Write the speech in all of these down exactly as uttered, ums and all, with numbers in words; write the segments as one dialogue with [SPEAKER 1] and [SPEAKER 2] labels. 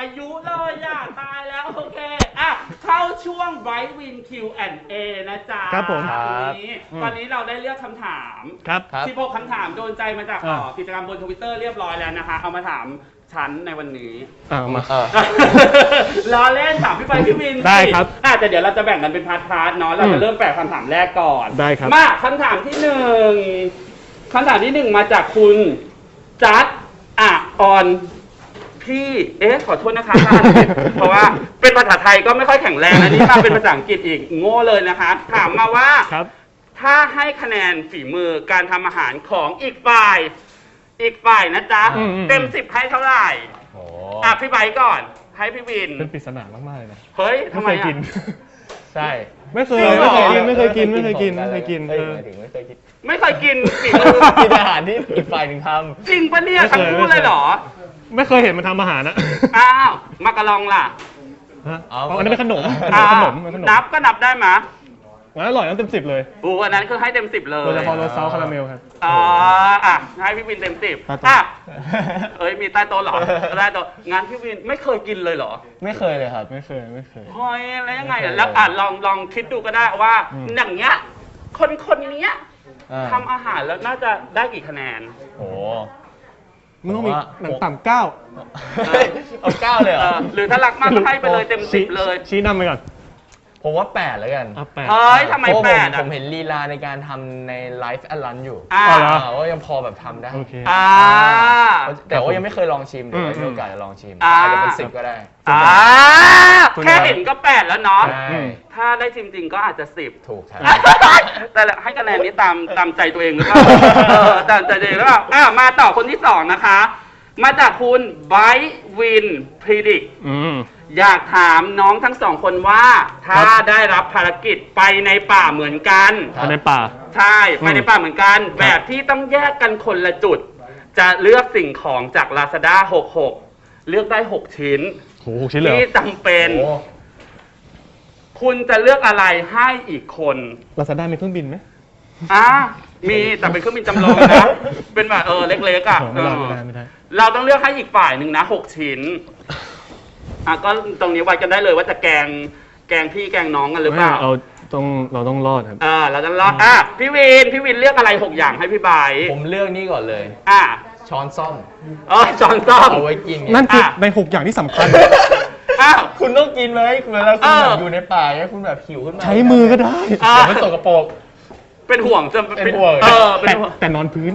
[SPEAKER 1] ยุเลยอ่ะตายแล้วโอเคอ่ะเข้าช่วง Bright Win คิว แอนด์ เอ นะจ๊ะ
[SPEAKER 2] ครับผม
[SPEAKER 1] วันนี้ตอนนี้เราได้เลือกคำถาม
[SPEAKER 2] ครับ
[SPEAKER 1] สิบหกคำถามโดนใจมาจากกิจกรรมบน Twitter เรียบร้อยแล้วนะคะเอามาถามฉันในวันนี้
[SPEAKER 2] อ่ามา
[SPEAKER 1] ล้อเล่นถามพี่ไปพี่วิน
[SPEAKER 2] ได้ครับ
[SPEAKER 1] อ่ะแต่เดี๋ยวเราจะแบ่งกันเป็นพาร์ทๆเนาะเราจะเริ่มแปลคำถามแรกก่อน
[SPEAKER 2] ได้ครับ
[SPEAKER 1] มาคำถามที่หนึ่งคำถามที่หนึ่งมาจากคุณจัดอ่ะออนพี่เอ๊ะขอโทษนะคะท่านเพราะว่าเป็นภาษาไทยก็ไม่ค่อยแข็งแรงนะนี่มาเป็นภาษาอังกฤษอีกโง่เลยนะคะถามมาว่า
[SPEAKER 2] ครับ
[SPEAKER 1] ถ้าให้คะแนนฝีมือการทำอาหารของอีกฝ่าย อีกฝ่ายนะจ๊ะ
[SPEAKER 2] อืมอืม
[SPEAKER 1] เต็มสิบให้เท่าไหร่
[SPEAKER 3] โอ้
[SPEAKER 1] อ่ะพี่ไบร์ทก่อน ให้พี่วิน
[SPEAKER 2] เป็นปริศนามากๆเลยนะ
[SPEAKER 1] เฮ้ยทำไม
[SPEAKER 2] ไม่เคยกิ
[SPEAKER 1] อ่ะ
[SPEAKER 2] น
[SPEAKER 3] ใช่
[SPEAKER 2] ไม่เคย
[SPEAKER 1] จริงเหรอ
[SPEAKER 2] ไม่เคยกินไม่เคยกินไม่เคยกินไม่เคยกิน
[SPEAKER 3] เฮ้ย
[SPEAKER 2] เออ
[SPEAKER 3] หมายถึงไม่เคยกิน
[SPEAKER 1] ไม่เคยกินฝีมือ
[SPEAKER 3] กินอาหารที่อีกฝ่ายหนึ่งท
[SPEAKER 1] จริงปะเนี่ย
[SPEAKER 2] ไม่เค
[SPEAKER 1] ทั้ง
[SPEAKER 2] ย
[SPEAKER 1] คู่เลยเหรอ
[SPEAKER 2] ไม่เคยเห็นมันทำอาหารนะ
[SPEAKER 1] อ้าวมากระลองล่ะ
[SPEAKER 2] ฮะอ๋ออันนี้เป็นขนม
[SPEAKER 1] อ้า
[SPEAKER 2] ข
[SPEAKER 1] วน
[SPEAKER 2] มเป็นขนม
[SPEAKER 1] นับก็นับได้ไหมะ
[SPEAKER 2] มันอร่อยน้ำเต็มสิบเลย
[SPEAKER 1] อูอันนั้นคือให้เต็มสิบเลย
[SPEAKER 2] โดยเฉพาะรสซอสคาราเมลครับ
[SPEAKER 1] อ๋ออ่ะให้พี่วินเต็มสิบ
[SPEAKER 2] ใต้โต๊ะ
[SPEAKER 1] อ่ะเอ้ยมีใต้โต๊ะเหรอใต้โต๊ะงานพี่วินไม่เคยกินเลยเหรอ
[SPEAKER 3] ำไม่เคยเลยครับ
[SPEAKER 2] ไม่เคยไม่เคย
[SPEAKER 1] เฮ้ยแล้วยังไงอ่ะแล้วอ่ะลองลองคิดดูก็ได้ว่า
[SPEAKER 2] อืม
[SPEAKER 1] อย่างเงี้ยคนคนเนี้ย
[SPEAKER 3] อ่า
[SPEAKER 1] ทำอาหารแล้วน่าจะได้กี่คะแนน
[SPEAKER 3] โอ้
[SPEAKER 2] มันต้องมี
[SPEAKER 3] ผมว่า
[SPEAKER 2] หนังต่ำเก้า
[SPEAKER 3] เอาเก้าเลยเหร
[SPEAKER 1] เอ
[SPEAKER 3] อ
[SPEAKER 1] อหรือถ้ารักมากก็ให้ไปเลยเต็มสิบเลย
[SPEAKER 2] ชี้นำไปก่อน
[SPEAKER 3] ผมว่าแปดแล้วกัน
[SPEAKER 2] อ่ะแปด
[SPEAKER 1] เฮ้ยทำไม
[SPEAKER 3] เพราะว่า
[SPEAKER 1] แป
[SPEAKER 3] ผม
[SPEAKER 1] ดอ่ะ
[SPEAKER 3] ผมเห็นลีลาในการทำในไลฟ์แอดลันอยู่
[SPEAKER 1] อ่า
[SPEAKER 2] อ๋อเหรอ
[SPEAKER 3] อ่าว่ายังพอแบบทำได้
[SPEAKER 2] โอเค
[SPEAKER 1] อ่า
[SPEAKER 3] แต่ว่ายังไม่เคยลองชิมเดี๋ยวไว้
[SPEAKER 2] อืม
[SPEAKER 3] มีโอกาสจะลองชิม
[SPEAKER 1] อ่า
[SPEAKER 3] อาจจะเป็นสิบก็ได้
[SPEAKER 1] อ่า
[SPEAKER 2] คุณ
[SPEAKER 1] แค่เห็นก็แปดแล้วเนาะ
[SPEAKER 3] ใช่
[SPEAKER 2] อืม
[SPEAKER 1] ถ้าได้ชิมจริงก็อาจจะสิบ
[SPEAKER 3] ถูกครับ
[SPEAKER 1] แต่ละให้คะแนนนี้ตามตามใจตัวเองหรือเปล่าเออตามใจตัวเองหรือเปล่าอ่ะมาต่อคนที่สองนะคะ มาจากคุณไบวินพรีดิก
[SPEAKER 2] อืม
[SPEAKER 1] อยากถามน้องทั้งสองคนว่า ถ้า
[SPEAKER 2] ครับ
[SPEAKER 1] ได้รับภารกิจไปในป่าเหมือนกัน
[SPEAKER 3] ครับ
[SPEAKER 2] ในป่า
[SPEAKER 1] ใช่ ไปในป่าเหมือนกัน แบบที่ต้องแยกกันคนละจุด จะเลือกสิ่งของจาก Lazada หกสิบหก เลือกได้ หก ชิ้น
[SPEAKER 2] โหหกชิ้นเลยเหร
[SPEAKER 1] ที่
[SPEAKER 2] อ
[SPEAKER 1] จำเป็น
[SPEAKER 3] โอ้
[SPEAKER 1] คุณจะเลือกอะไรให้อีกคน
[SPEAKER 2] ลาซาด้ามีเครื่องบินไหม
[SPEAKER 1] อ่ะมีแต่เป็นเครื่องบินจำลองนะ เป็นแบบเออเล็กๆอ่ะ
[SPEAKER 2] ไม่ได้
[SPEAKER 1] เอ
[SPEAKER 2] ไม่
[SPEAKER 1] อ
[SPEAKER 2] ได้ไม่ได้
[SPEAKER 1] เราต้องเลือกให้อีกฝ่ายหนึ่งนะหกชิ้น อ่ะก็ตรงนี้ไว้กันได้เลยว่าจะแกงแกงพี่แกงน้องกันหรือเปล่า
[SPEAKER 2] เราต้องเราต้องรอดครับ
[SPEAKER 1] อ่าเราจะรอดอ่ะพี่วินพี่วินเลือกอะไรหกอย่างให้พี่บาย
[SPEAKER 3] ผมเลือกนี่ก่อนเลย
[SPEAKER 1] อ่ะ
[SPEAKER 3] ช้อนซ่อม
[SPEAKER 1] เออจอนซ่อม
[SPEAKER 3] เอาไว้กินไง
[SPEAKER 2] นั่นคือ
[SPEAKER 1] อ่ะ
[SPEAKER 2] ในหกอย่างที่สำคัญ
[SPEAKER 1] อ้าว
[SPEAKER 3] คุณต้องกินไหมเวลาคุณ
[SPEAKER 1] เออ
[SPEAKER 3] แบบอยู่ในป่าเนี่ยคุณแบบหิวขึ้นมา
[SPEAKER 2] ใช้มือก็ได้
[SPEAKER 1] อ่ะ
[SPEAKER 3] เดี๋ยวมันตกกระโปรง
[SPEAKER 1] เป็นห่วงจะ
[SPEAKER 3] เป็นห่วง
[SPEAKER 1] เออเป็น
[SPEAKER 2] แต่
[SPEAKER 1] ห่วง
[SPEAKER 2] แต่นอนพื้น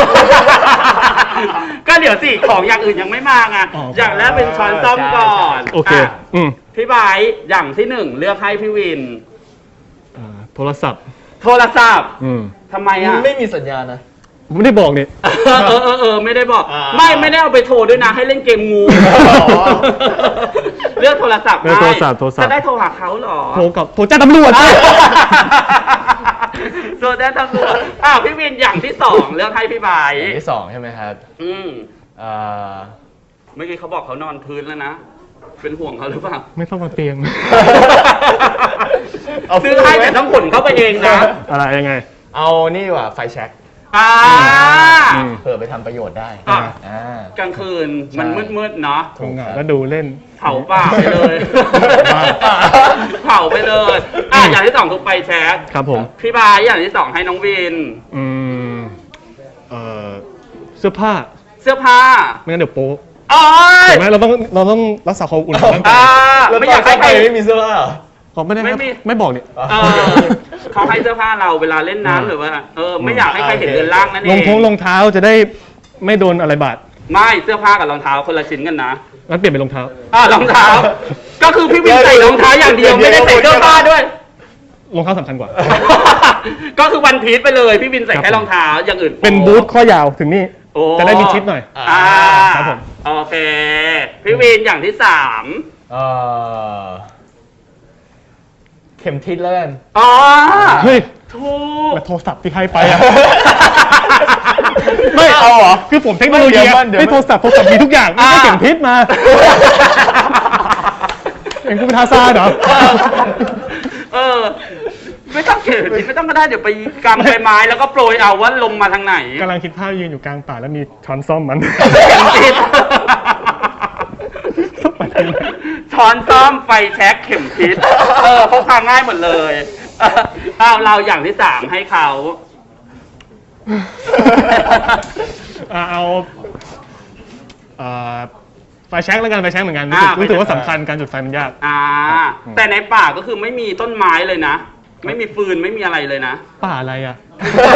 [SPEAKER 1] ก็เดี๋ยวสิของอย่างอื่นยังไม่มาไง
[SPEAKER 2] อ๋ออ
[SPEAKER 1] อย่างแรกเป็นช้อนซ่อมก่อน
[SPEAKER 2] โอเค
[SPEAKER 1] ะ
[SPEAKER 2] อืม
[SPEAKER 1] พี่บายอย่างที่หนึ่งเลือกให้พี่วิน
[SPEAKER 2] อ่าโทรศัพท์
[SPEAKER 1] โทรศัพท์
[SPEAKER 2] อืม
[SPEAKER 1] ทำไมอ่ะ
[SPEAKER 3] ไม่มีสัญญาณนะ
[SPEAKER 2] ผมไม่ได้บอกนี่
[SPEAKER 1] เออเออเออเออไม่ได้บอก
[SPEAKER 3] อ่า
[SPEAKER 1] ไม่ไม่ได้เอาไปโทรด้วยนะ ให้เล่นเกมงู
[SPEAKER 3] อ๋อ
[SPEAKER 1] เลือกโทรศัพท์
[SPEAKER 2] เลือกโทรศัพท์โทรศัพท์
[SPEAKER 1] จะได้โทรหาเขาเหรอ
[SPEAKER 2] โทรกับโทรแจ้งตำรวจ
[SPEAKER 1] โทรได้ตำรวจอ้าวพี่วินอย่างที่สองเลือกให้พี่บาย
[SPEAKER 3] อย่างที่สองใช่ไหมครับ
[SPEAKER 1] อืม
[SPEAKER 3] เอ่อ
[SPEAKER 1] เมื่อกี้เขาบอกเขานอนพื้นแล้วนะ เป็นห่วงเขาหรือเปล่า
[SPEAKER 2] ไม่ต้องมาเตียง
[SPEAKER 3] เอา
[SPEAKER 1] ซื้อให้แต่ต้องขนเข้าไปเองนะ
[SPEAKER 2] อะไรยังไง
[SPEAKER 3] เอานี่ดีกว่าไฟแช็ก
[SPEAKER 1] อ่า
[SPEAKER 2] อืม
[SPEAKER 3] เผื่อไปทำประโยชน์ได้
[SPEAKER 1] อ่ะ
[SPEAKER 3] อ่า
[SPEAKER 1] กลางคืนมัน
[SPEAKER 3] ใช่
[SPEAKER 1] มืดๆเนาะ
[SPEAKER 2] ทำงานแล้วดูเล่น
[SPEAKER 1] เผาป่าไปเลย
[SPEAKER 2] บ้า
[SPEAKER 1] เผาไปเลยอ่ะอย่างที่สองคือไฟแช็ก
[SPEAKER 2] ครับผม
[SPEAKER 1] พี่บายอย่างที่สองให้น้องวิน
[SPEAKER 2] อืมเอ่อเสื้อผ้า
[SPEAKER 1] เสื้อผ้า
[SPEAKER 2] ไม่งั้นเดี๋ยวโป๊ะ
[SPEAKER 1] โอ้ย
[SPEAKER 2] เห็นไหมเราต้องเราต้องรักษาความอุ่นของร่างกา
[SPEAKER 1] อ่าย
[SPEAKER 3] แล้ว
[SPEAKER 1] ไม่
[SPEAKER 3] ไม่อยาก ก
[SPEAKER 1] อายให้
[SPEAKER 3] ให้
[SPEAKER 1] ใค
[SPEAKER 3] ใค
[SPEAKER 1] ร
[SPEAKER 3] รไม่มีเสื้อผ้าเหรอ
[SPEAKER 2] ขอไม่ได้
[SPEAKER 1] ไม่มี
[SPEAKER 2] ไม่บอกเนี่ย
[SPEAKER 1] เออเขาให้เสื้อผ้าเราเวลาเล่นน้ำหรือว่าเออไม่อยากให้ใครเห็นเรือนร่างนั่นเอ
[SPEAKER 2] รอง
[SPEAKER 1] ง
[SPEAKER 2] ท้องรองเท้าจะได้ไม่โดนอะไรบาด
[SPEAKER 1] ไม่เสื้อผ้ากับรองเท้าคนละชิ้นกันนะ
[SPEAKER 2] งั้นเปลี่ยนเป็นรองเท้า
[SPEAKER 1] อ่ารองเท้า ก็คือพี่วินใส่รองเท้าอย่างเดียวไม่ได้ใส่เสื้อผ้าด้วย
[SPEAKER 2] รองเท้าสำคัญกว่า
[SPEAKER 1] ก็คือวันพีชไปเลยพี่วินใส่แค่รองเท้าอย่างอื่น
[SPEAKER 2] เป็นบูทข้อยาวถึงนี่
[SPEAKER 1] โอ้
[SPEAKER 2] จะได้มีชิดหน่อย
[SPEAKER 1] อ่า
[SPEAKER 2] ครับผม
[SPEAKER 1] โอเคพี่วินอย่างที่สาม
[SPEAKER 3] เอ่อเข็มทิศแล้วกัน
[SPEAKER 1] อ๋อ
[SPEAKER 2] เฮ้ย
[SPEAKER 1] ถูก
[SPEAKER 2] มาโทรศัพท์ที่ให้ไปอะ
[SPEAKER 3] ไม่เอาเหรอ
[SPEAKER 2] คือผมเทคโนโลยี
[SPEAKER 3] เดี๋ยวมันเดี๋ยวมัน
[SPEAKER 2] ไม่โทรศัพท์โทรศัพท์มีทุกอย่างไม่ได้
[SPEAKER 1] อ่า
[SPEAKER 2] เข็มทิศมาเองกูเป็นทาซานเหรอ
[SPEAKER 1] เออ ไม่ต้องเขียนไม่ต้องก็ได้เดี๋ยวไปกำใบไม้แล้วก็โปรยเอาว่าลมมาทางไหน
[SPEAKER 2] กำลังคิดภาพยืนอยู่กลางป่าแล้วมีช้อนซ่อมมัน
[SPEAKER 1] เข็มทิศ
[SPEAKER 2] ไปทางไหน
[SPEAKER 1] ค้อนซ่อมไฟแช็กเข็มทิศเออพกพาง่ายหมดเลยเออเอาเราอย่างที่สามให้เขา
[SPEAKER 2] อ่ะเอาเอ่อไฟแช็กแล้วกันไฟแช็กเหมือนกันรู้
[SPEAKER 1] อ่า
[SPEAKER 2] สึกรู้สึกว่า
[SPEAKER 1] ไฟแช็ก
[SPEAKER 2] สำคัญการจุดไฟมันยาก
[SPEAKER 1] อ่า
[SPEAKER 2] อืม
[SPEAKER 1] แต่ในป่าก็คือไม่มีต้นไม้เลยนะ ไม่มีฟืนไม่มีอะไรเลยนะ
[SPEAKER 2] ป่าอะไรอ่ะ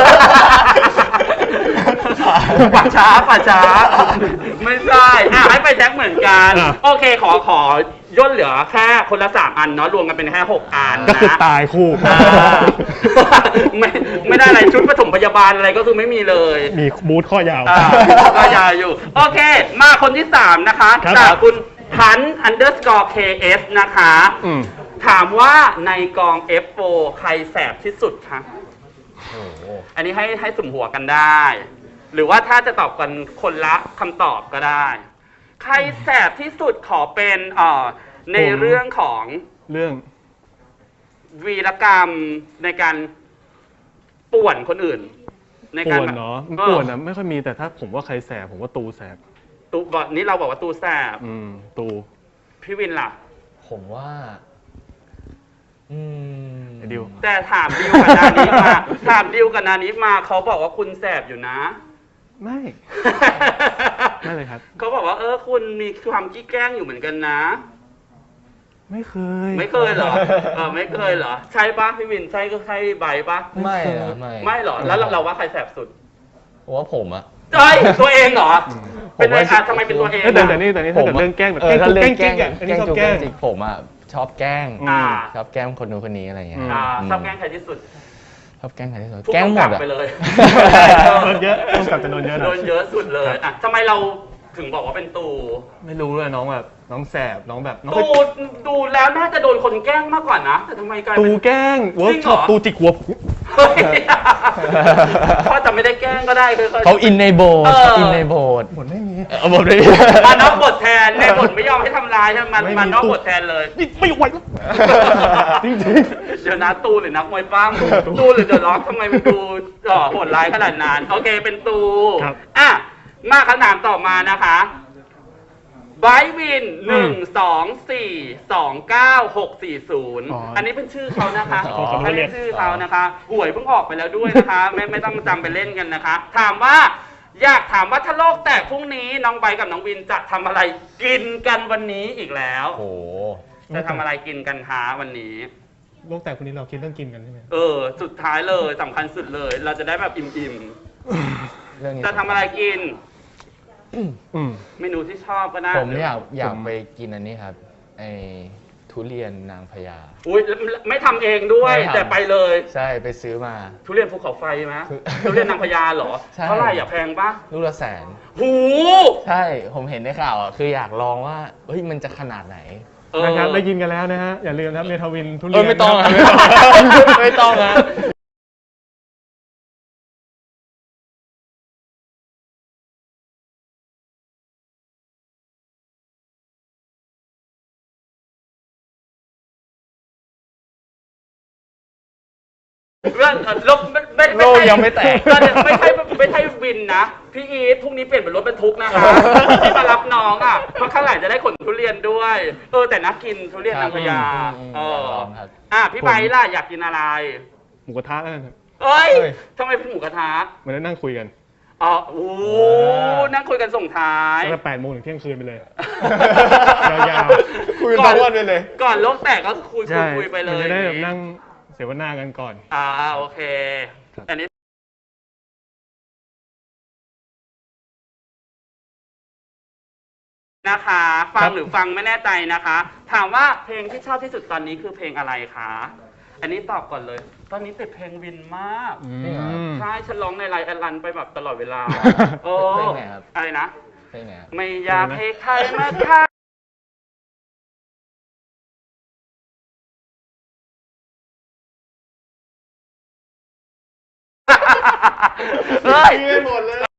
[SPEAKER 1] ป่าช้าป่าช้า ไม่ใช่อ่ะให้ไปแจ็คเหมือนกัน
[SPEAKER 2] อ่ะ
[SPEAKER 1] โอเคขอขอย่นเหลือแค่คนละสามอันเนาะรวมกันเป็นแค่หกอันนะ
[SPEAKER 2] ก็คือตายคู่
[SPEAKER 1] อ่า ไม่ไม่ได้อะไรชุดปฐมพยาบาลอะไรก็คือไม่มีเลย
[SPEAKER 2] มีบูทข้อยาว
[SPEAKER 1] อ่าก็ยาวอยู่ โอเค มาคนที่สามนะคะ
[SPEAKER 2] ครับ
[SPEAKER 1] จากคุณพัน underscore เค เอส นะคะ
[SPEAKER 2] อืม
[SPEAKER 1] ถามว่าในกอง เอฟ โฟร์ ใครแสบที่สุดคะ
[SPEAKER 3] โอ้โห
[SPEAKER 1] อันนี้ให้ให้สุ่มหัวกันได้ หรือว่าถ้าจะตอบกันคนละคำตอบก็ได้ ใครแสบที่สุดขอเป็นเอ่อใน
[SPEAKER 2] ผม
[SPEAKER 1] เรื่องของ
[SPEAKER 2] เรื่อง
[SPEAKER 1] วีรกรรมในการป่วนคนอื่น ในการ
[SPEAKER 2] ป่วน
[SPEAKER 1] แบบ
[SPEAKER 2] เนาะ
[SPEAKER 1] ออ
[SPEAKER 2] ป่วนนะไม่ค่อยมีแต่ถ้าผมว่าใครแสบผมว่าตูแสบ
[SPEAKER 1] ตูบอกนี้เราบอกว่าตูแสบ
[SPEAKER 2] อืมตู
[SPEAKER 1] พี่วินล่ะ
[SPEAKER 3] ผมว่า อืม
[SPEAKER 2] ไอ้ดิว
[SPEAKER 1] แต่ถามดิวกับนานิมา ถามดิวกับนานิมาเขาบอกว่าคุณแสบอยู่นะ
[SPEAKER 2] ไม่ ไม่เลยครับ
[SPEAKER 1] เขาบอกว่าเออคุณมีความขี้แกล้งอยู่เหมือนกันนะ
[SPEAKER 2] ไม่เคย
[SPEAKER 1] ไม่เคยเหรอ เออไม่เคยเหรอ ใช่ปะพี่วินใช่ก็ใช่ใบปะ
[SPEAKER 3] ไม่นะไม่
[SPEAKER 1] ไม่เหรอ แล้วเราเราว่าใครแสบสุด
[SPEAKER 3] ผมว่าผมอะ
[SPEAKER 1] เอ้ยตัวเองเหรอ เป็นไง
[SPEAKER 3] ผมว่า
[SPEAKER 1] อ่ะทำไมเป็นตัวเอง
[SPEAKER 2] เอ้ยแต่
[SPEAKER 1] อ่ะ
[SPEAKER 2] แต่นี่แต่นี่ถ้าเกิดเรื่องแกล้งแบบ
[SPEAKER 3] เออถ้าเรื่อง
[SPEAKER 2] แกล้ง
[SPEAKER 3] แกล้ง
[SPEAKER 2] จริงอ่ะอันนี้ชอบ
[SPEAKER 3] จุ๊
[SPEAKER 2] แกล้ง
[SPEAKER 3] จริงผมอะชอบแกล้ง
[SPEAKER 1] อ่า
[SPEAKER 3] ชอบแกล้งคนนู้นคนนี้อะไรอย่างเงี้ย
[SPEAKER 1] อ่า
[SPEAKER 3] อืม
[SPEAKER 1] ชอบแกล้งใครที่สุด
[SPEAKER 3] ชอบแกล้งใครที่สุด
[SPEAKER 1] ผู้
[SPEAKER 3] แกล้งหม
[SPEAKER 1] กำกั
[SPEAKER 3] ด
[SPEAKER 1] บ
[SPEAKER 3] อะ
[SPEAKER 1] ไปเลย
[SPEAKER 2] โดนเยอะต้องกลับจะโดนเยอะหน่
[SPEAKER 1] โด
[SPEAKER 2] อย
[SPEAKER 1] นเยอะสุดเลยอ่ะทำไมเราถึงบอกว่าเป็นตู
[SPEAKER 2] ไม่รู้เลยน้องแบบน้องแสบน้องแบบน้อง
[SPEAKER 1] ตูดูแล้วน่าจะโดนคนแกล้งมากกว่านะ แต่ทำไมกลาย
[SPEAKER 2] ตู
[SPEAKER 1] เป็น
[SPEAKER 2] แกล้งเวิร์ก
[SPEAKER 1] จริงเห
[SPEAKER 2] ช็
[SPEAKER 1] ร
[SPEAKER 2] อ
[SPEAKER 1] อ
[SPEAKER 2] ปตูจิกหัว
[SPEAKER 1] เฮ้ยพ่อจะไม่ได้แกล้งก็ได้คือ
[SPEAKER 3] เขาอินในโบสถ์
[SPEAKER 1] เออ
[SPEAKER 3] เขาอินในโบสถ์
[SPEAKER 2] หมดไม่มี
[SPEAKER 3] เออบทเลย
[SPEAKER 1] มานอกบทแทนในบทไม่ยอมให้ทำลายใช่ไหมมัน
[SPEAKER 2] ไม่มี
[SPEAKER 1] มานอกบทแทนเลย
[SPEAKER 2] นี่ไม่ไหวแล้วจริง
[SPEAKER 1] เดี๋ยวนะตูหรือนักมวยปั้มตูหรือเดอะล็อกทำไมมันดูเอ่อโหดร้ายขนาดนั้นโอเคเป็นตู
[SPEAKER 2] ครับ
[SPEAKER 1] อ่ะมาคำถามต่อมานะคะไบรท์วินหนึ่งสองสี่สองเก้าหกสี่ศูนย์
[SPEAKER 2] อ๋ออั
[SPEAKER 1] อันนี้เป็นชื่อเขานะคะ
[SPEAKER 3] อ๋อ
[SPEAKER 1] อันนี้ชื่อเขานะคะหวยเพิ่งออกไปแล้วด้วยนะคะ ไม่ไม่ต้องจำไปเล่นกันนะคะ ถามว่าอยากถามว่าถ้าโลกแตกพรุ่งนี้น้องไบรท์กับน้องวินจะทำอะไรกินกันวันนี้อีกแล้ว
[SPEAKER 3] โอ้โห
[SPEAKER 1] จะทำอะไรกินกันคะวันนี้
[SPEAKER 2] ๆโลกแตกคนนี้เราคิดเรื่องกินกันใช่ไหม
[SPEAKER 1] เออ สุดท้ายเลยสำคัญสุดเลย เราจะได้แบบอิ่ม
[SPEAKER 3] เรื่องนี้
[SPEAKER 1] ๆ จะทำอะไรกิน
[SPEAKER 2] อืม
[SPEAKER 1] เมนูที่ชอบก็ได้
[SPEAKER 3] ผมอยากอยาก
[SPEAKER 2] ผม
[SPEAKER 3] ไปกินอันนี้ครับไอทุเรียนนางพญา
[SPEAKER 1] อุ้ยไม่ทำเองด้วย
[SPEAKER 3] ไม่ทำ
[SPEAKER 1] แต่ไปเลย
[SPEAKER 3] ใช่ไปซื้อมา
[SPEAKER 1] ทุเรียนภูเขาไฟไหม
[SPEAKER 3] คือ
[SPEAKER 1] ทุเรียนนางพญาเหรอ
[SPEAKER 3] ใช่
[SPEAKER 1] เท่าไหร่อย่าแพงปะ
[SPEAKER 3] ลูกละแสน
[SPEAKER 1] หู
[SPEAKER 3] ใช่ ผมเห็นในข่าวอ่ะ คืออยากลองว่า เฮ้ย มันจะขนาดไหน
[SPEAKER 1] เออ
[SPEAKER 2] นะครับได้ยินกันแล้วนะฮะอย่าลืมนะครับเมทาวินทุเรี
[SPEAKER 3] เอย อน ไม่ต้อง
[SPEAKER 2] นะ
[SPEAKER 3] อะ
[SPEAKER 2] ครับ
[SPEAKER 3] ไม่ต้องนะ
[SPEAKER 1] เรื่องเอ่อลบไม่ไม่ไม่
[SPEAKER 3] โลก
[SPEAKER 1] ใช่
[SPEAKER 3] ยังไม่แตก
[SPEAKER 1] ไม่ใช่ไม่ใช่ไม่ใช่วินนะ พี่อีทพรุ่งนี้เปลี่ยนเป็นรถบรรทุกนะคะที่มารับน้องอ่ะ เพราะข้างหลังจะได้ขนทุเรียนด้วย เออ แต่นักกินทุเรียนนางพญา
[SPEAKER 3] อืม
[SPEAKER 1] เออ
[SPEAKER 3] อยากลองครับ
[SPEAKER 1] อ่ะพี่ไบร์ทล่ะอยากกินอะไร
[SPEAKER 2] หมูกระทะแล้วกันครับ
[SPEAKER 1] เอ้ย
[SPEAKER 3] เอ้ย
[SPEAKER 1] ทำไมเป็นหมูกระทะ
[SPEAKER 2] เหมือนได้นั่งคุยกัน
[SPEAKER 1] อ๋อโอ้โหนั่งคุยกันส่งท้าย
[SPEAKER 2] ตั้งแต่แปดโมงถึงเที่ยงคืนไปเลย ยาว
[SPEAKER 3] คุยกันทั้งวันไปเลย
[SPEAKER 1] ก่อนโลกแตกก็คุย
[SPEAKER 2] ใช่
[SPEAKER 1] คุยคุยไปเล
[SPEAKER 2] มัน
[SPEAKER 1] ย
[SPEAKER 2] จะได้แบบนั่งเสวนากันก่อน
[SPEAKER 1] อ่าโอเค
[SPEAKER 2] ครับ
[SPEAKER 1] อันนี้นะคะ ฟังหรือฟังไม่แน่ใจนะคะ ถามว่าเพลงที่ชอบที่สุดตอนนี้คือเพลงอะไรคะ อันนี้ตอบก่อนเลย ตอนนี้ติดเพลงวินมาก
[SPEAKER 2] อื
[SPEAKER 3] จริงเหรอ
[SPEAKER 2] ม
[SPEAKER 1] ใช่ ฉันร้องในไลน์แอดลันไปแบบตลอดเวลา โอ้
[SPEAKER 3] เพลงไหนครับ
[SPEAKER 1] อะไรนะ
[SPEAKER 3] เพลงไหนครับ
[SPEAKER 1] ไม่อยากให้ใครมาฆ่าเฮ้ยหมดเลย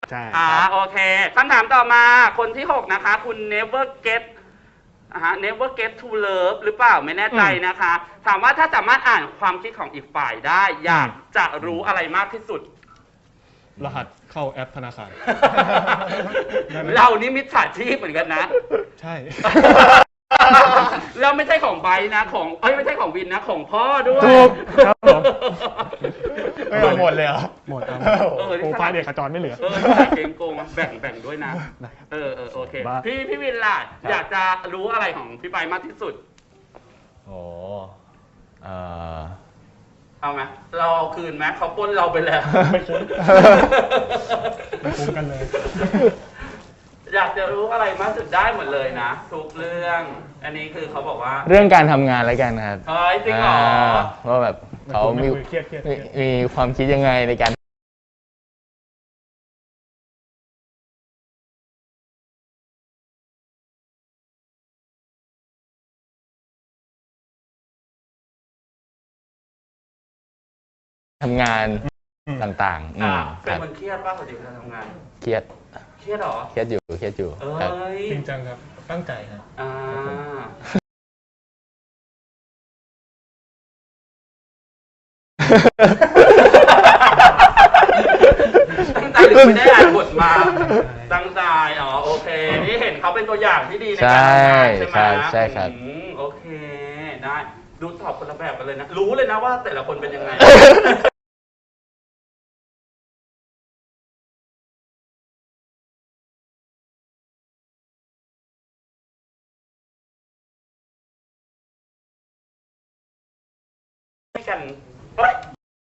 [SPEAKER 2] ใช่
[SPEAKER 1] อ่าโอเคคำถามต่อมาคนที่หกนะคะ คุณ never get อ่าฮะ never get to love หรือเปล่าไม่แน่ใจนะคะ ถามว่าถ้าสามารถอ่านความคิดของอีกฝ่ายได้ อยากจะรู้อะไรมากที่สุด
[SPEAKER 2] รหัสเข้าแอปธนาคาร ได้ไหม
[SPEAKER 1] เรานี่มิจฉาชีพเหมือนกันนะ
[SPEAKER 2] ใช่
[SPEAKER 1] แล้วไม่ใช่ของไบร์ทนะของเอ้ยไม่ใช่ของวินนะของพ่อด้วย
[SPEAKER 2] ถูกครับผม
[SPEAKER 3] ไม่เอาหมดเลยเหรอ
[SPEAKER 2] หมดครับ
[SPEAKER 1] เออ
[SPEAKER 2] โปรไฟล์เด็กขจรไม่เหลือ
[SPEAKER 1] เออเกมโกงอะแบ่งแบ่งด้วยนะ
[SPEAKER 2] ได้ครับ
[SPEAKER 1] เออเออโอเค
[SPEAKER 2] บ้า
[SPEAKER 1] พี่พี่วินล่ะ อยากจะรู้อะไรของพี่ไบร์ทมากที่สุด
[SPEAKER 3] โอ้เอ่อ
[SPEAKER 1] เอาไหมเราเอาคืนไหมเขาปล้นเราไปแล้ว
[SPEAKER 2] ไม่คุ้ม ไม่คุ้มกันเลย
[SPEAKER 1] อยากจะรู้อะไรมากสุดได้หมดเลยนะ ทุกเรื่อง อันนี้คือเขาบอกว่า
[SPEAKER 3] เรื่องการทำงานแล้วกันครับ
[SPEAKER 1] เฮ้ยจริงเหรอ
[SPEAKER 3] าว่าแบบเขามี
[SPEAKER 2] ไม่คุยเครียดเครียดเครี
[SPEAKER 3] มี
[SPEAKER 2] ยด
[SPEAKER 3] มีความคิดยังไงในการ ทำงานต่างๆอื
[SPEAKER 1] อ่าม
[SPEAKER 3] ค
[SPEAKER 1] เป็น
[SPEAKER 3] รับ
[SPEAKER 1] คนเครียดป่ะปกติเวลาทำงาน
[SPEAKER 3] เครียด
[SPEAKER 1] เครียดเหรอ
[SPEAKER 3] เครียดอยู่เครียดอยู่
[SPEAKER 1] เอ้
[SPEAKER 3] ครับ
[SPEAKER 1] ย
[SPEAKER 2] จริงจังครับ ตั้งใจครับ
[SPEAKER 1] อ่าตั้งใจหรือไม่ได้อ่านบทมา ตั้งใจ อ๋อ โอเค นี่เห็นเขาเป็นตัวอย่างที่ดีในการทำงานใช่ไหม
[SPEAKER 3] ใช่ใช่ครับ
[SPEAKER 1] อืมโอเค ได้ ดูตอบคนละแบบกันเลยนะ รู้เลยนะว่าแต่ละคนเป็นยังไง ให้กันเฮ้ย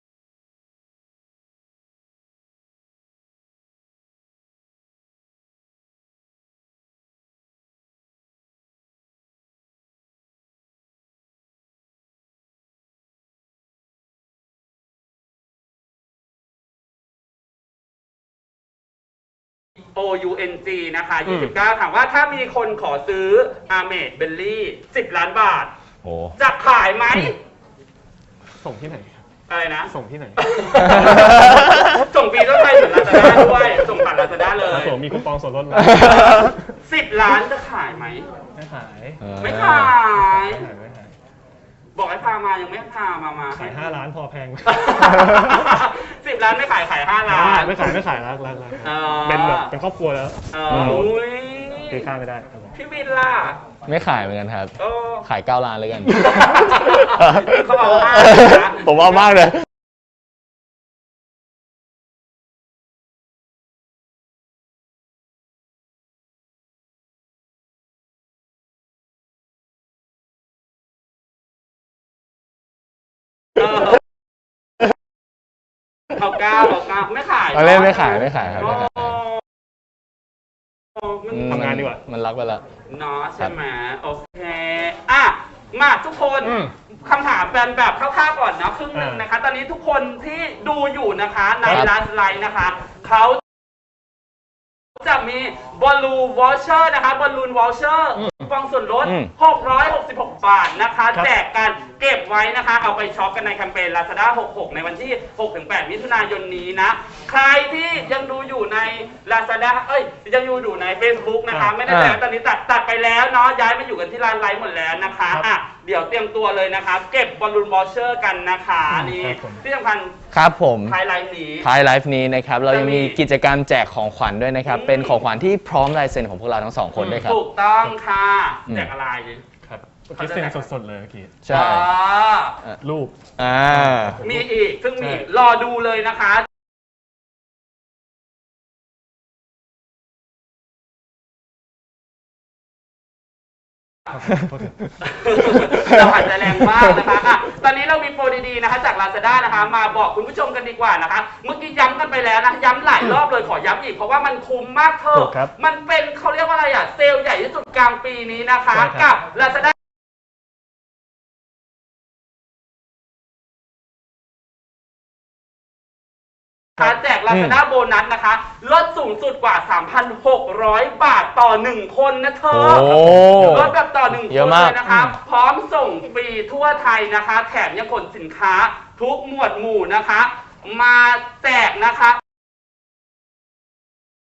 [SPEAKER 1] โอ ยู เอ็น จี นะคะ
[SPEAKER 2] อืม
[SPEAKER 1] ยี่สิบเก้า ถามว่าถ้ามีคนขอซื้ออาเมดเบลลี่สิบล้านบาท
[SPEAKER 3] โอ้
[SPEAKER 1] จะขายไหม
[SPEAKER 2] ส่งที่ไหนครับ
[SPEAKER 1] อะไรนะ
[SPEAKER 2] ส่งที่ไหน
[SPEAKER 1] ส่งฟรีต้องไปเหมือนลาซาด้าด้วย ส่งผ่านลาซาด้าเล
[SPEAKER 2] ครับ
[SPEAKER 1] ย
[SPEAKER 2] ผมมีคูปองส่วนลดไหม
[SPEAKER 1] สิบล้านจะขายไหม
[SPEAKER 2] ไม่ขาย
[SPEAKER 3] เออ
[SPEAKER 1] ไม่ขาย
[SPEAKER 2] ไม่ขายไม่ขาย
[SPEAKER 1] บอกให้พามายังไม่พามามา
[SPEAKER 2] ขายห้าล้านพอแพง
[SPEAKER 1] สิบล้านไม่ขายขายห้าล้าน
[SPEAKER 2] ไม่ขายไม่ขายรักรักรัก
[SPEAKER 1] อ๋อ
[SPEAKER 2] เป็นแบบเป็นครอบครัวแล้ว
[SPEAKER 1] เอออุ้ย
[SPEAKER 2] ตีค่าไม่ได้ครับผม
[SPEAKER 1] พี่บินล่ะ
[SPEAKER 3] ไม่ขายเหมือนกันครับ
[SPEAKER 1] โอ้
[SPEAKER 3] ขายเก้าล้านเลยกัน
[SPEAKER 1] เขาเอามากนะ
[SPEAKER 3] ผมเอามากเลย
[SPEAKER 1] เออเอาเก้าเอาเก้าไม่ขาย
[SPEAKER 3] เอาเล่นไม่ขายไม่ขายครับไม่ขาย
[SPEAKER 1] โอ้มัน
[SPEAKER 2] ทำงานดีกว่า
[SPEAKER 3] มันรักไปละ
[SPEAKER 1] เนาะใช่ไหมโอเคอ่ะมาทุกคน
[SPEAKER 2] อืม
[SPEAKER 1] คำถามเป็นแบบคร่าวๆก่อนนะครึ่งหนึ่ง
[SPEAKER 2] อ่าน
[SPEAKER 1] นะคะ ตอนนี้ทุกคนที่ดูอยู่นะคะใน
[SPEAKER 3] ครับ
[SPEAKER 1] ไลฟ์ไลน์นะคะเขาจะมีบอลลูนวอลเชอร์นะคะบอลลูนวอลเชอร์ฟองส่วนลด
[SPEAKER 3] อืม
[SPEAKER 1] หกร้อยหกสิบหก บาทนะคะ
[SPEAKER 2] ครับ
[SPEAKER 1] แจกกันเก็บไว้นะคะ เอาไปช็อปกันในแคมเปญ Lazada หกสิบหก ในวันที่ หกถึงแปด มิถุนายนนี้นะ ใครที่ยังดูอยู่ใน Lazada เอ้ย ยังอยู่อยู่ใน Facebook นะคะ ไม่ได้แต่ตอนนี้ตัดตัดไปแล้วเนาะย้ายมาอยู่กันที่ร้านไลฟ์หมดแล้วนะคะอ่ะเดี๋ยวเตรียมตัวเลยนะคะ เก็บบอลลูนวอลเชอร์กันนะคะนี่ที่สำคัญ
[SPEAKER 3] ครับผม
[SPEAKER 1] ท้ายไลฟ์นี้
[SPEAKER 3] ท้ายไลฟ์นี้นะครับ เรายังมีกิจกรรมแจกของขวัญด้วยนะครับ
[SPEAKER 1] อืม
[SPEAKER 3] เป็นของขวัญที่พร้อมลายเซ็นของพวกเราทั้งสองคนด้วยครับ
[SPEAKER 1] ถูกต้องค่ะ
[SPEAKER 3] อืม
[SPEAKER 1] แจกอะไร
[SPEAKER 2] ครับเมื่อกี้เซ็นสดๆเลยเมื่อกี้
[SPEAKER 3] ใช่
[SPEAKER 1] อ๋อ
[SPEAKER 2] รูป
[SPEAKER 3] อ่า
[SPEAKER 1] มีอีก ซึ่งมี
[SPEAKER 2] ใช่
[SPEAKER 1] รอดูเลยนะคะ
[SPEAKER 2] โทษที
[SPEAKER 1] เราหายใจแรงมากนะคะอ่ะตอนนี้เรามีโปรดีๆนะคะ จาก Lazada นะคะ มาบอกคุณผู้ชมกันดีกว่านะคะ เมื่อกี้ย้ำกันไปแล้วนะ ย้ำหลายรอบเลยขอย้ำอีกเพราะว่ามันคุ้มมากเธ
[SPEAKER 2] ถู
[SPEAKER 1] อะ
[SPEAKER 2] กครับ
[SPEAKER 1] มันเป็นเขาเรียกว่าอะไรอ่ะ เซลล์ใหญ่ที่สุดกลางปีนี้นะคะ
[SPEAKER 2] ใช่ครั
[SPEAKER 1] กับ บ Lazadaแจก Lazada โบนัสนะคะ ลดสูงสุดกว่า สามพันหกร้อย บาทต่อหนึ่งคนนะเธอ
[SPEAKER 3] โอ้
[SPEAKER 1] ลดแบบต่อหนึ่งค
[SPEAKER 3] เยอะ
[SPEAKER 1] น
[SPEAKER 3] มาก
[SPEAKER 1] เลยนะคะ พร้อมส่งฟรีทั่วไทยนะคะ แถมยังขนสินค้าทุกหมวดหมู่นะคะ มาแจกนะคะ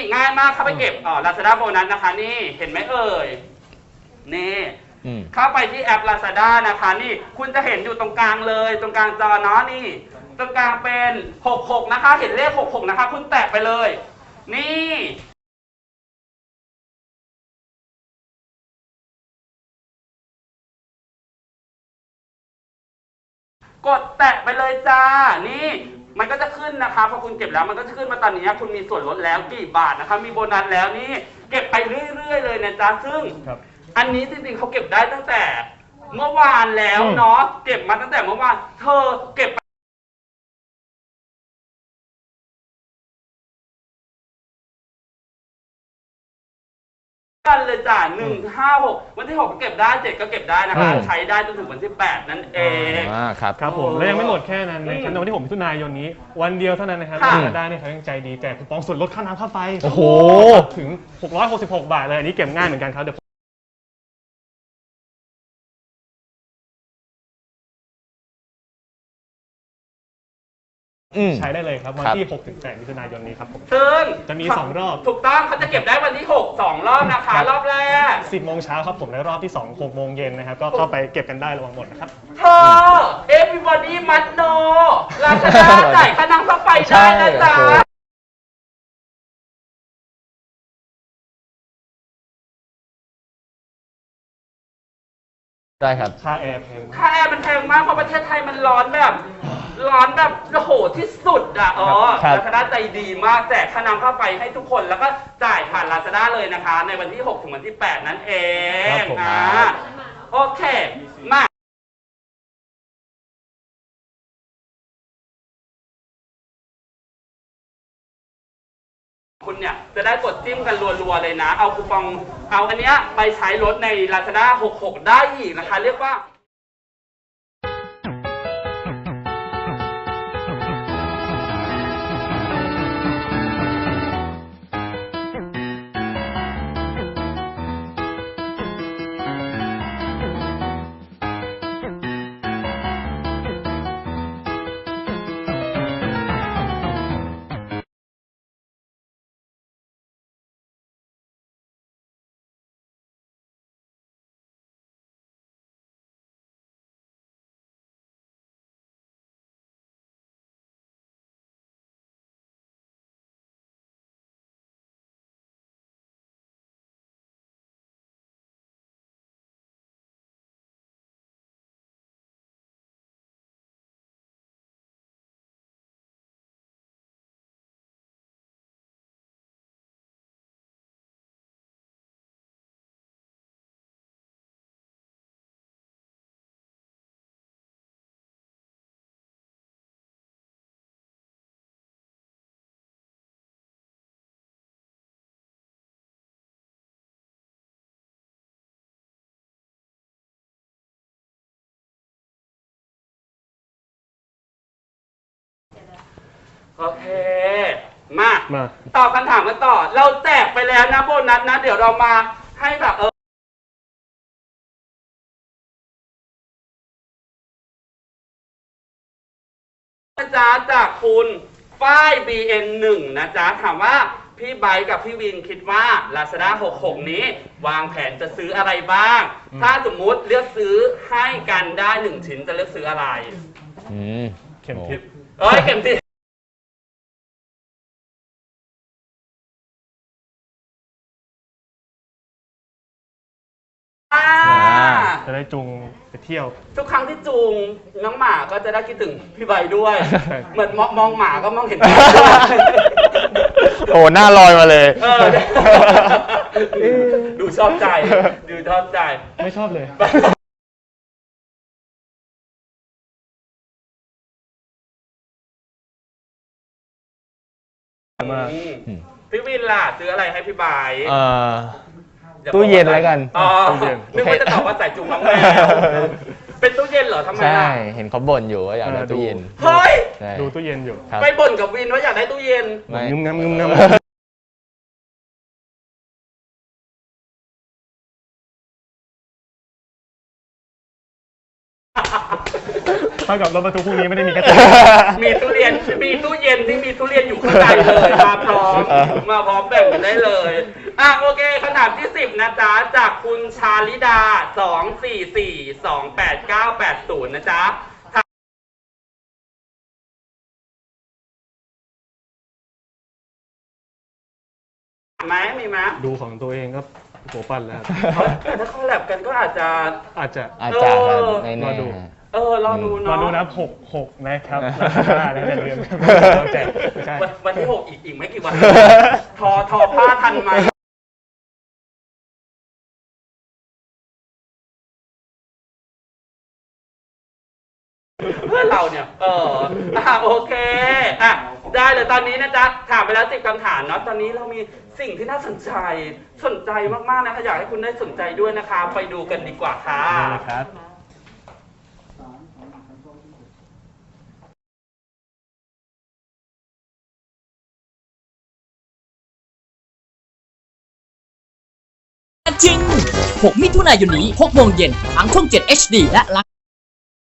[SPEAKER 1] ง่ายมากเข้าไปเก็บอ๋อ Lazada โบนัสนะคะนี่เห็นไหมเอ่ยนี่
[SPEAKER 3] อืม
[SPEAKER 1] เข้าไปที่แอป Lazada นะคะนี่คุณจะเห็นอยู่ตรงกลางเลย ตรงกลางจอเนาะนี่ ตรงกลางเป็นหกหกนะคะ เห็นเลขหกหกนะคะ คุณแตะไปเลย นี่กดแตะไปเลยจ้า นี่มันก็จะขึ้นนะคะพอคุณเก็บแล้วมันก็จะขึ้นมาตอนนี้คุณมีส่วนลดแล้วกี่บาทนะคะมีโบนัสแล้วนี่เก็บไปเรื่อยๆเลยนะจ๊ะซึ่ง
[SPEAKER 2] ครับ
[SPEAKER 1] อันนี้จริงๆเขาเก็บได้ตั้งแต่เมื่อวานแล้ว
[SPEAKER 2] อืม
[SPEAKER 1] เนาะเก็บมาตั้งแต่เมื่อวานเธอเก็บกันเลยจ้ะหนึ่งห้าหกวันที่หกก็เก็บได้เจ็ดก็เก็บได้นะคะ
[SPEAKER 3] อืม
[SPEAKER 1] ใช้ได้จนถึงวันที่แปดนั่นเอง
[SPEAKER 3] อ่าครับ
[SPEAKER 2] ครับผม
[SPEAKER 1] โอ้
[SPEAKER 2] และยังไม่หมดแค่นั้น
[SPEAKER 1] อื
[SPEAKER 2] นะ
[SPEAKER 1] ม
[SPEAKER 2] ครับในวันที่หกมิถุนายนนี้ วันเดียวเท่านั้นนะครับ
[SPEAKER 1] ค่ะ
[SPEAKER 2] ลาซาด้าเนี่ยเขายังใจดีแจกคูปองส่วนลดค่าน้ำค่าไฟ
[SPEAKER 3] โอ้โห
[SPEAKER 2] ถึงหกร้อยหกสิบหกบาทเลยอันนี้เก็บง่ายเหมือนกันครับเดี๋ยว
[SPEAKER 3] อืม
[SPEAKER 2] ใช้ได้เลยครับวัน
[SPEAKER 3] ครับ
[SPEAKER 2] ที่หกถึงแปดมิถุนายนนี้ครับผม
[SPEAKER 1] ซึ่ง
[SPEAKER 2] จะมีสองรอบ
[SPEAKER 1] ถูกต้องเขาจะเก็บได้วันที่หกสองรอบนะคะ รอบแรก
[SPEAKER 2] สิบโมงเช้าครับผมและรอบที่สองหกโมงเย็นนะครับก็เข้าไปเก็บกันได้ระวังหมดนะครับ
[SPEAKER 1] เธอ everybody must know ลาซาด้าจ่ายค่าน้ำค่าไฟได้นะจ๊ะ
[SPEAKER 3] ใช่โอ้โห ได้ครับ
[SPEAKER 2] ค่าแอร์แพง
[SPEAKER 1] ค่าแอร์มันแพงมากเพราะประเทศไทยมันร้อนแบบ ร้อนแบบโอ้โหที่สุดอ่ะอ๋อ
[SPEAKER 3] ครับ
[SPEAKER 1] ลาซาด้าใจดีมากแจกค่าน้ำค่าไฟให้ทุกคนแล้วก็จ่ายผ่านลาซาด้าเลยนะคะ ในวันที่หกถึงวันที่แปดนั่นเอง
[SPEAKER 3] ครับผม
[SPEAKER 1] อ่าโอเคมา คุณเนี่ยจะได้กดจิ้มกันรัวๆเลยนะ เอาคูปอง เอาอันเนี้ยไปใช้ลดใน Lazada หกหกได้อีกนะคะ เรียกว่า โอเค มา
[SPEAKER 2] มา
[SPEAKER 1] ตอบคำถามกันต่อ เราแจกไปแล้วนะโบนัสนะ เดี๋ยวเรามาให้แบบเออนะจ๊ะจากคุณฝ้าย บี เอ็น หนึ่ง นะจ๊ะ ถามว่าพี่ไบค์กับพี่วินคิดว่า Lazada หกหกนี้ วางแผนจะซื้ออะไรบ้าง
[SPEAKER 2] อืม
[SPEAKER 1] ถ้าสมมุติเลือกซื้อให้กันได้หนึ่งชิ้นจะเลือกซื้ออะไร
[SPEAKER 3] อืม
[SPEAKER 2] เข็มทิศ
[SPEAKER 1] เอ้ยเข็มทิศอ่า
[SPEAKER 2] จะได้จูงไปเที่ยว
[SPEAKER 1] ทุกครั้งที่จูงน้องหมาก็จะได้คิดถึงพี่ใบด้วย
[SPEAKER 2] ใช่
[SPEAKER 1] เหมือนมองมองหมาก็มองเห็น
[SPEAKER 3] โอ้หน้าลอยมาเลย
[SPEAKER 1] เออดูชอบใจ ดูชอบใจ
[SPEAKER 2] ไม่ชอบเลย มา
[SPEAKER 1] อืม
[SPEAKER 3] อืม
[SPEAKER 1] พี่วินล่ะซื้ออะไรให้พี่ใบ
[SPEAKER 3] เอ่อ
[SPEAKER 1] อย่า
[SPEAKER 3] ตู้เย็นแล้วกัน
[SPEAKER 1] อ๋อ
[SPEAKER 2] ตู้เย็น
[SPEAKER 1] นึกว่าจะตอบว่าใส่จุงน้องแมวเป็นตู้เย็นเหรอทำไม
[SPEAKER 3] ใช่
[SPEAKER 1] ล่ะ
[SPEAKER 3] เห็นเขาบ่นอยู่ว่าอยากได้
[SPEAKER 2] เออ
[SPEAKER 3] ตู้เย็น
[SPEAKER 2] ดู
[SPEAKER 1] เฮ้ย
[SPEAKER 3] ใช่
[SPEAKER 2] ดูตู้เย็นอยู่
[SPEAKER 3] ครับ
[SPEAKER 1] ไปบ่นกับวินว่าอยากได้ตู้เย็น
[SPEAKER 3] ไม่
[SPEAKER 2] งึมงำงึมงำเท่ากับรถบรรทุกพวกนี้ไม่ได้มีแค่ตัว
[SPEAKER 1] มีตู้เรียนมีตู้เย็นที่มีทุเรียนอยู่ข้างในเลยมาพร้อมมาพร้อมแบ่งกันได้เลยอ่ะโอเคคำถามที่สิบนะจ๊ะจากคุณชาลิดาสองสี่สี่สองแปดเก้าแปดศูนย์นะจ๊ะไหมมีไหม
[SPEAKER 2] ดูของตัวเองก็หัวปั้นแล้ว
[SPEAKER 1] แต่ถ้าคอลแลบกันก็อาจจะ
[SPEAKER 2] อาจจะ
[SPEAKER 3] อาจารย์ครับไม่
[SPEAKER 2] ร
[SPEAKER 3] แน่
[SPEAKER 2] อดู
[SPEAKER 1] เออรอดู
[SPEAKER 2] รอ
[SPEAKER 1] เนาะ
[SPEAKER 2] ดูนะหกหกนะครับห้าแล้วอย่าลืมแจกไม่ใช่
[SPEAKER 1] วันวันที่หกอีกอีกไม่กี่วัน ทอทอผ้าทันไหมเพื่อนเราเนี่ย เอออ่ะโอเคอ่ะได้เลยตอนนี้นะจ๊ะถามไปแล้วสิบคำถามเนาะตอนนี้เรามีสิ่งที่น่าสนใจสนใจมากๆนะคะอยากให้คุณได้สนใจด้วยนะคะไปดูกันดีกว่าค่ะ
[SPEAKER 2] นี่นะครับ
[SPEAKER 4] จริง หก มิถุนายนนี้ หก โมงเย็นทางช่อง เจ็ด เอช ดี และ